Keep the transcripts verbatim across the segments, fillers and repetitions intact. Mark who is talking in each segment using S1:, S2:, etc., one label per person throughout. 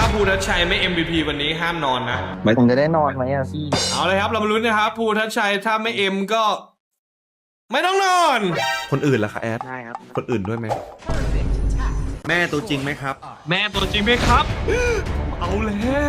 S1: ภูทัชชัยไม่ เอ็ม วี พี วันนี้ห้ามนอนนะ
S2: ผมจะได้นอนไหมอ่ะพี่
S1: เอาเลยครับเรามาลุ้นนะครับภูทัชชัยถ้าไม่เอ็มก็ ไม่ต้องนอน
S3: คนอื่นล่ะคะแอด
S2: ได้ครับ
S3: คนอื่นด้วยไหมแม่ตัวจริงไหมครับ
S1: แม่ตัวจริงไหมครับ เอาแล้ว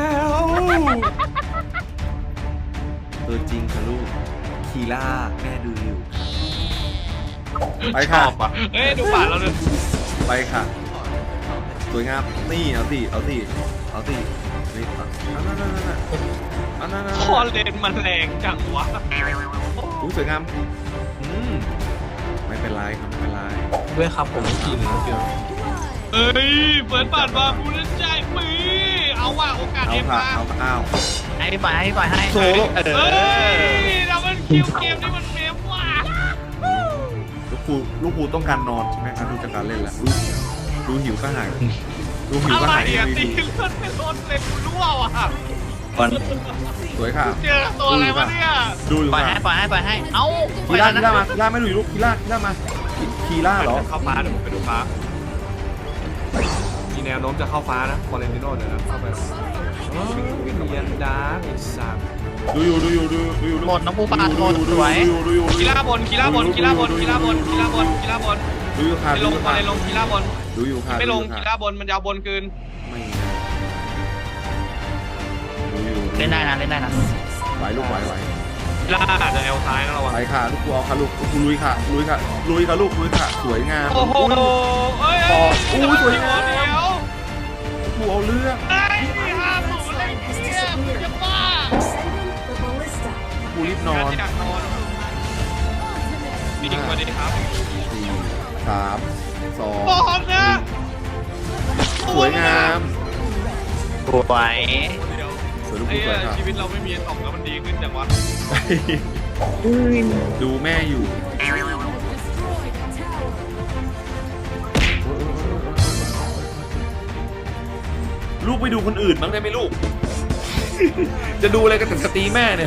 S3: ตัวจริงค่ะลูกคีล่าแม่ดูอยู่ไป
S1: ช
S3: ค่ะ
S1: อบอ่ะเอ้ยดูปากเราเลย
S3: ไปค่ะสวยงามนี่เอาสิเอาสิเอาสินี่เอานั่นนั่นนั่นนั่นนั่นนั่น
S1: คอเลนมันแรงจังวะ
S3: อู้สวยงามอืมไม่เป็นไรครับไม่เป็นไร
S1: ด้วยครับผมไม่กินนะเดี๋ยวเอ้ยเปิดปากมาภูทัชชัยปีเอาว่ะโอกาส
S3: เอา
S1: เอ็ม
S3: ค่ะ
S1: มา
S3: เอาค่ะอ้าว
S2: ให้พี่ปล่อยให้พี่ปล่อยให้
S3: โซโล่
S2: เอ
S1: เอ้
S2: อย
S1: เรามันคิวเกมนี่มันเมมว่ะ
S3: ลูกครูลูกครูต้องการนอนใช่ไหมครับดูจากการเล่นแล้วดูดูหิวก็หายดูหิว
S1: อะ
S3: ก็
S1: ไร
S3: หาย
S1: อ่ะ
S3: ดี
S1: ตีเลือดไม่ลดเลยกูรั่วว่ะ
S3: สวยค่ะ
S1: เจอตัวอะไรวะเนี่ย
S3: ดูอยู่
S2: ปล่อย
S3: ค่ะ
S2: ให้ปล่อยให้ปล่อยให้ เอ้า
S3: คีล่าคีล่ามาคีล่าไม่ดูอยู่ลูกคีล่าคีล่ามาคีล่าเหรอ
S1: เข้าฟ้าเดี๋ยวผมไปดูฟ้ามีแนวโน้มจะเข้าฟ้านะฟอเรนติโน่เดี๋ยวนะเข้าไปวิญญาณดาร์กไอ้สัตว์
S3: ดูอยู่ดูอยู่ดูดูอยู่
S2: หมดน้องปูปลาหมด
S3: ดู
S2: สวย
S3: อยู่ดูอยู่ดูอยู่
S1: กีฬาบนกีฬาบนกีฬาบนกีฬาบนกีฬาบนกีฬาบน
S3: ดูอยู่ค่ะ
S1: ไม่
S3: ดู
S1: ล
S3: อง ยู่
S1: ฟอ
S3: ค่ะ
S1: เรนลงกีฬาบน
S3: ดูอยู่ค่ะ
S1: ไม่ลง
S3: ดูอยู่
S1: กี
S3: ค่ะ
S1: ฬาบนมันยาวบนคืน
S3: ไม่ดูอยู่
S2: เล่นได้นะเล่นได้นะ
S3: ไหวลูกไหวไหว
S1: กีฬาอาจจะแอลซ้ายนะระวัง
S3: ไปค่ะลูกครูเอาค่ะลูกลูกครูลุยค่ะลุยค่ะลุยค่ะลูกลุยค่ะสวยงาม
S1: โอ้โหเอ้ย
S3: พอ
S1: เอ้
S3: อู้
S1: ย
S3: สวยงาม
S1: เดี๋ยว
S3: ลูกครูเอาเรื่อง
S1: ไอ้ห้าศูนย์เลยเนี่ยมึงจะบ้า
S3: ลูกครูรีบนอน
S1: อยากนอนมีอีกคนดีครับ
S3: สี่สามสอง
S1: บอลนะ
S3: สวยงาม
S2: สวย
S1: เดี๋ยว
S3: สวยลูกค
S1: ไอ้
S3: รูสวยค่ะ
S1: ชีวิตเราไม่มีตกแล้วมันดีขึ้นจังวะ
S3: ดูแม่อยู่ลูกไปดูคนอื่นบ้างได้ไหมลูก จะดูอะไรกันแต่สตรีแม่เนี่ย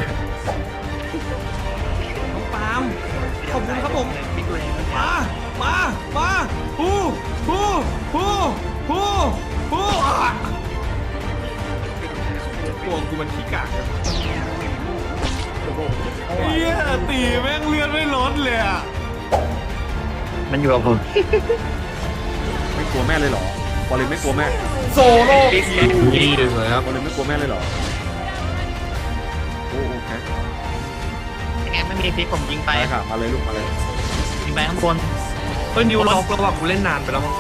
S1: น้องปาล์มขอบคุณครับผม มา มา มาฮู้ฮู้ฮู้ฮู้ฮู้อ่ะตัวกูมันขี้กากอะเฮียตีแม่งเลือดไม่ลดเลยอ่ะ
S2: มันอยู่กับผม
S3: ไม่กลัวแม่เลยเหรอบอลเลนไม่กลัวแม่โซโล่
S1: นี่เลยครับ
S3: บอลเลนไม่กลัวแม่เลยเหรอโอ้โอเค
S2: ยังไงไม่มีพลิกผมยิงไป
S3: ไปค่ะมาเลยลูกมาเลย
S2: ยิงไปข้างบน
S1: เฮ้ยนิวล็อกแล้วว่ะกูเล่นนานไปแล้วมั้ง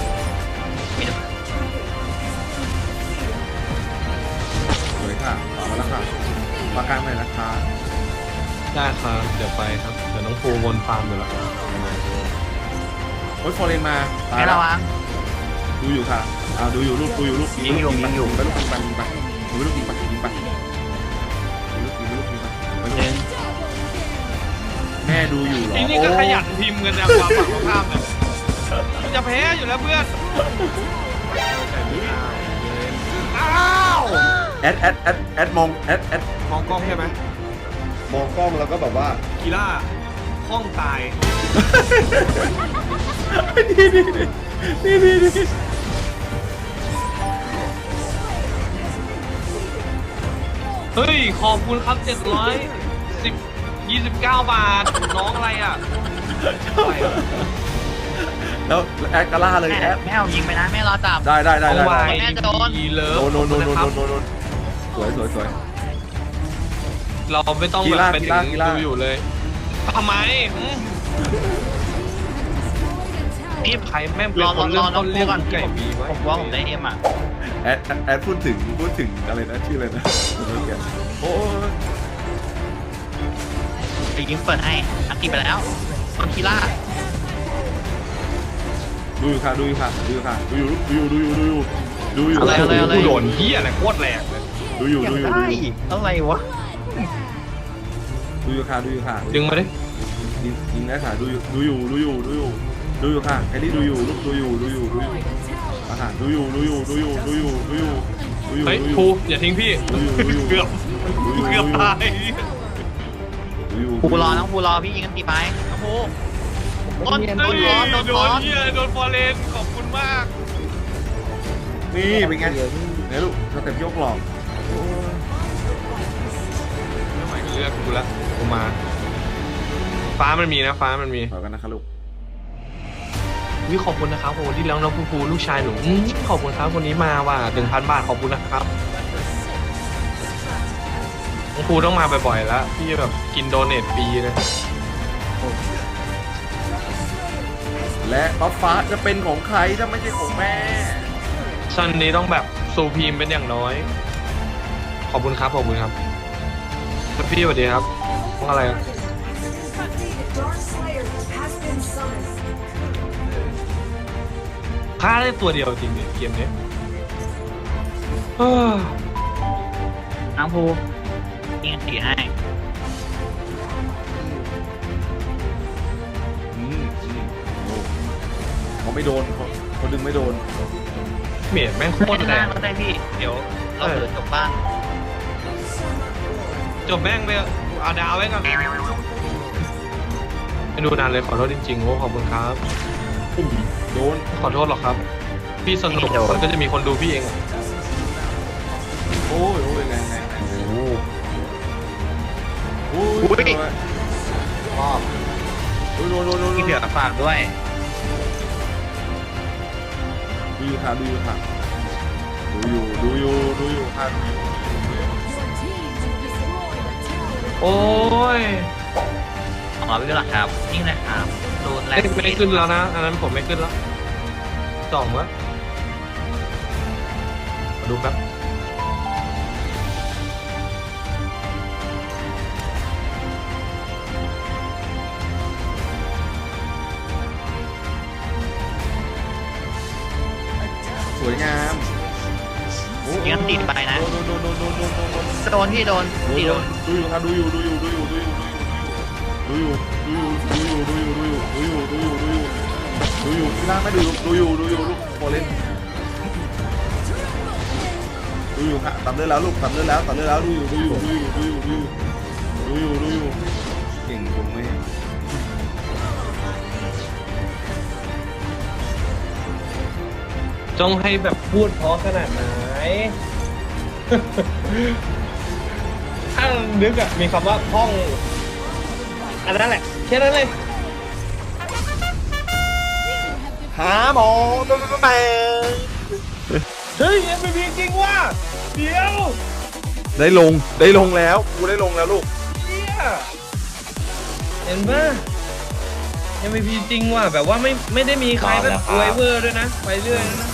S3: สวยค่ะต่อมาแล้วค่ะปากกลางเลยนะคะ
S1: ได้ครับเดี๋ยวไปครับเดี๋ยวน้องภูวนฟาร์มอยู่แล้ว
S3: โอ้ยฟอร์เรนมาตาย
S2: ให้
S3: แล้ว
S2: ระวัง
S3: ดูอยู่ค่ะอ่าดูอยู่ลูกดูอยู่ลูก
S2: ยิงอยู่ยิงอยู่
S3: ไปลูกยิงไปยิงไปยิงไปลูกยิงไปยิงไปยิงลูกยิงลูกยิงไปไป
S2: หนึ่ง
S3: แม่ดูอยู่เหรอ
S1: ทีนี่ก็ขยันพิมพ์กันนะความฝั่งตรงข้ามเนี่ยมันจะแพ้อยู่แล้วเพื่อนอ้าว
S3: แอดแอดแอดแอดมองแอดแอด
S1: มองกล้องใช่ไหม
S3: มองกล้องแล้วก็แบบว่า
S1: กีฬาห้องตาย
S3: นี่นี่นี่นี่นี่
S1: เฮ้ย ขอบคุณครับเจ็ดร้อยสิบยี่สิบเก้าบาท น้องอะไรอ่ะอะไรอ่ะ
S3: แล้วแอดกาล่าเลย
S2: แม่
S3: แอด
S2: แม่เอายิงไปนะแม่รอจับ
S3: ได้ได้ได้
S1: เอา
S3: ได้
S1: ไว้
S2: แม่โดน
S1: ดีเลิฟ
S3: โดนโดนโดนโดน
S1: ขอบ
S3: โด
S1: คุณ
S3: นโดนสวยสวยสวย
S1: นะครับเราไม่ต้อง
S3: กี
S1: แบบ
S3: ฬา
S1: เป็น
S3: กี
S1: ถึ
S3: ฬาง กีฬา
S1: ดูอยู่เลยทำไมหืม
S2: พี่
S1: ใครแม่งเป็น
S2: รอ
S1: ค
S2: รอน ร
S1: เริ่
S2: อ
S1: ม
S2: น้
S1: ต้
S2: อง
S1: น
S2: ปู
S1: เรียก
S2: ก่อน
S1: ไก่บีไว้
S2: ผมว่าผมได้เอ็มอ่ะ
S3: แอดแอดพูดถึงพูดถึงอะไรนะชื่ออะไรนะโอ้ย
S2: ไปยิงเปิดให้อัดตีไปแล้วคนคีล่า
S3: ดูอยู่ค่ะดูอยู่ค่ะดูอยู่ค่ะดูอยู่ดูอยู่ดูอยู่ดูอยู่ดูอยู่
S2: อะไรอะไรอะไร
S1: กูโดนเฮียอะไรโคตรแรงเลย
S3: ดูอยู่ดูอยู่ดูอยู่
S2: อะไรวะ
S3: ดูอยู่ค่ะดูอยู่ค่ะ
S1: ดึงมาดิ
S3: ยิงยิงได้ค่ะดูอยู่ดูอยู่ดูอยู่ดูอยู่ดูอยู่ค่ะแคลรี่ดูอยู่ลูกดูอยู่ดูอยู่ดูอยู่อาหารดูอยู่ดูอยู่ดูอยู่ดูอยู่ดูอยู่ดูอยู่
S1: เฮ้ย
S3: ดูอยู่
S1: ภูอย่าทิ้งพี่
S3: ดูอยู่ดูอยู่
S1: เกือบ
S3: ดูอยู่
S1: เกือบตาย
S3: ดูอยู่
S2: ปูรอน้องปูรอพี่ยิงกันตีไปน้องปูโดนโดนร้อนโดน
S1: โด
S2: ร้อน น
S1: เฮียโดนฟอร์เรนขอบคุณมาก
S3: นี่เป็นไงเนี่ยลูกสเต็ปยกหลอกโอ้ย
S4: ไม่ไหวก็เลือกกูละกูมา ฟ้ามันมีนะฟ้ามันมี
S3: ขอกันนะครับลูก
S4: วิขอบคุณนะครับโอ้ที่แล้วน้องภูภูลูกชายหนูอื้อขอบคุณครับคนนี้มาว่ะหนึ่งพันบาทขอบคุณนะครับน้องภูต้องมาบ่อยๆแล้วพี่แบบกินโดเนทฟรีเลย
S3: และบัฟฟ้าจะเป็นของใครถ้าไม่ใช่ของแม่
S4: ซันนี้ต้องแบบซูพีมเป็นอย่างน้อย ขอบคุณครับขอบคุณครับแล้วพี่สวัสดีครับว่าอะไรอะ
S5: Dark Slayer has been summoned.
S4: ฆ่าได้ตัวเดียวจริงดิเกมนี้เอ้อ
S2: น้องภูยิงอันติให้
S3: อืมอืมโอ้เขาไม่โดนเขาเขาดึงไม่โดน
S4: เมียแม่งโค
S2: โค
S4: ต
S2: ต
S4: ร
S2: ร
S4: แร
S2: แรง งก็ได้พี่ เดี๋ยวเราเปิดจบบ้าน
S4: จบแม่งไปเอาดาวไว้ก่อนไม่ดูนานเลยขอโทษจริงๆโอ้ขอบคุณครับ
S3: อุ้ยโดน
S4: ขอโทษหรอกครับ พี่สนุกมันก็จะมีคนดูพี่เองอะ
S3: โอ้ยโอ้ยแรงแรงแรงโอ้โหโอ้ย
S2: อุ๊ย
S3: ชอบโอ้ยโดนโดนโดน
S2: ที่เหลือฝากด้วย
S3: ดูอยู่ค่ะดูอยู่ค่ะดูอยู่ดูอยู่ดูอยู่ค่ะดูอยู่
S4: โอ้ย
S2: อ๋อไม่เป็นไรครับ นี่แหละครับโดนแร
S4: ไม่
S2: ง
S4: ไม่ได้ขึ้นแล้วนะ อันนั้นผมไม่ขึ้นแล้วสองวะมาดูแป๊บ
S3: สวยงามโอ้
S2: ยิงอันติไปนะ
S3: โดนโดนโดนโดนโดนโดนโดน
S2: โดนพี่โดน
S3: ดู
S2: พี่
S3: อยู่
S2: โดน
S3: ดูอยู่ครับดูอยู่ดูอยู่ดูอยู่ดูอยู่ดูอยู่ดูอยู่ดูอยู่ดูอยู่ดูอยู่ดูอยู่ดูอยู่ดูอยู่ที่ล่างไม่ดูดูอยู่ดูอยู่ลูกโคเล่นดูอยู่ค่ะตามเลือดแล้วลูกตามเลือดแล้วตามเลือดแล้วดูอยู่ดูอยู่ดูอยู่ดูอยู่ดูอยู่ดูอยู่ดูอยู่เก่งตรงไหม
S4: จ้องให้แบบพูดเพราะขนาดไหน ถ้านึกอะมีคำว่าห้อง อันนั้นแหละ แค่นั้นเลย
S3: หาหมอตัวแม่
S4: เฮ้ย เอ็ม วี พี จริงว่ะเดี๋ยว
S3: ได้ลงได้ลงแล้วกูได้ลงแล้วลูก
S4: เฮียเห็นป่ะ เอ็ม วี พี จริงว่ะแบบว่าไม่ไม่ได้มีใครแบบอวยเวอร์ด้วยนะ ไปเรื่อยนะ